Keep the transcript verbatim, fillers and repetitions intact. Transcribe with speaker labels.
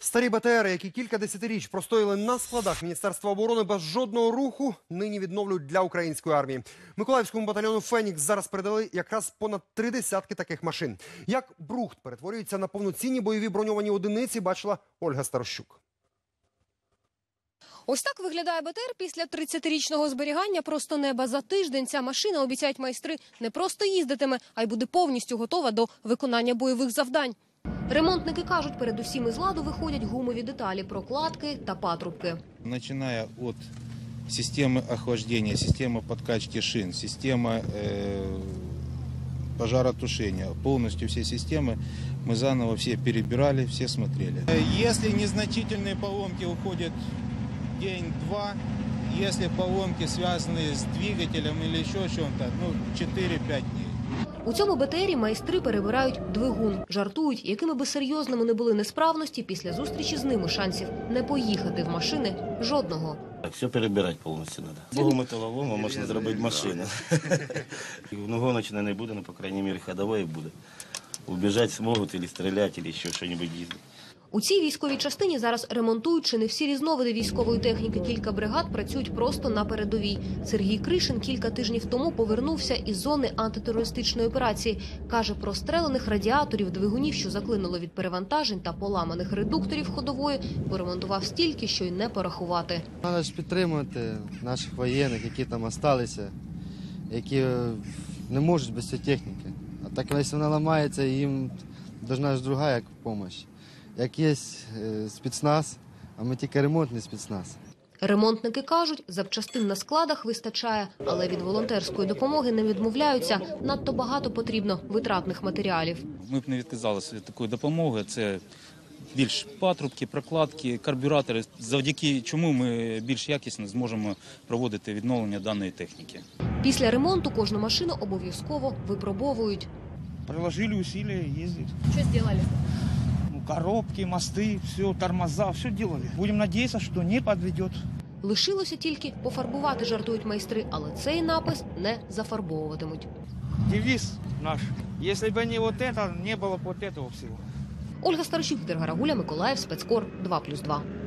Speaker 1: Старі БТРи, які кілька десятиріч простояли на складах Міністерства оборони без жодного руху, нині відновлюють для української армії. Миколаївському батальйону «Фенікс» зараз передали якраз понад три десятки таких машин. Як брухт перетворюється на повноцінні бойові броньовані одиниці, бачила Ольга Старощук.
Speaker 2: Ось так виглядає БТР після тридцятирічного зберігання просто неба. За тиждень ця машина, обіцяють майстри, не просто їздитиме, а й буде повністю готова до виконання бойових завдань. Ремонтники кажуть, передусім із ладу виходять гумові деталі, прокладки та патрубки.
Speaker 3: Начиная от системы охлаждения, системы подкачки шин, система э, пожаротушения, полностью все системы мы заново все перебирали, все смотрели. Если незначительные поломки уходят день-два, если поломки связаны с двигателем или еще чем-то, ну четыре-пять дней.
Speaker 2: У цьому БТРі майстри перебирають двигун. Жартують, якими би серйозними не були несправності, після зустрічі з ними шансів не поїхати в машини жодного.
Speaker 4: Все перебирати повністю треба. Богу металолому можна зробити машину. Гоночне не буде, але, по крайній мірі, ходової буде. Убіжати зможуть, або стріляти, або ще щось їздити.
Speaker 2: У цій військовій частині зараз ремонтують чи не всі різновиди військової техніки. Кілька бригад працюють просто на передовій. Сергій Кришин кілька тижнів тому повернувся із зони антитерористичної операції. Каже, прострелених радіаторів, двигунів, що заклинуло від перевантажень та поламаних редукторів ходової, поремонтував стільки, що й не порахувати.
Speaker 5: Треба ж підтримувати наших воєнних, які там залишилися, які не можуть без цієї техніки. А так, якщо вона ламається, їм потрібна ж друга як допомога. Як є спецназ, а ми тільки ремонтний спецназ.
Speaker 2: Ремонтники кажуть, запчастин на складах вистачає, але від волонтерської допомоги не відмовляються. Надто багато потрібно витратних матеріалів.
Speaker 6: Ми б не відказалися від такої допомоги. Це більш патрубки, прокладки, карбюратори, завдяки чому ми більш якісно зможемо проводити відновлення даної техніки.
Speaker 2: Після ремонту кожну машину обов'язково випробовують.
Speaker 7: Приложили усилия ездить.
Speaker 2: Що зробили?
Speaker 7: Коробки, мосты, все, тормоза, все делали. Будем надеяться, что не подведет.
Speaker 2: Лишилося тільки пофарбувати, жартують майстри, але цей напис не зафарбовуватимуть.
Speaker 7: Девиз наш. Если бы не вот это, не было бы вот этого всего.
Speaker 2: Ольга Старощук, Віктор Гарагуля, Миколаїв, Спецкор, два плюс два.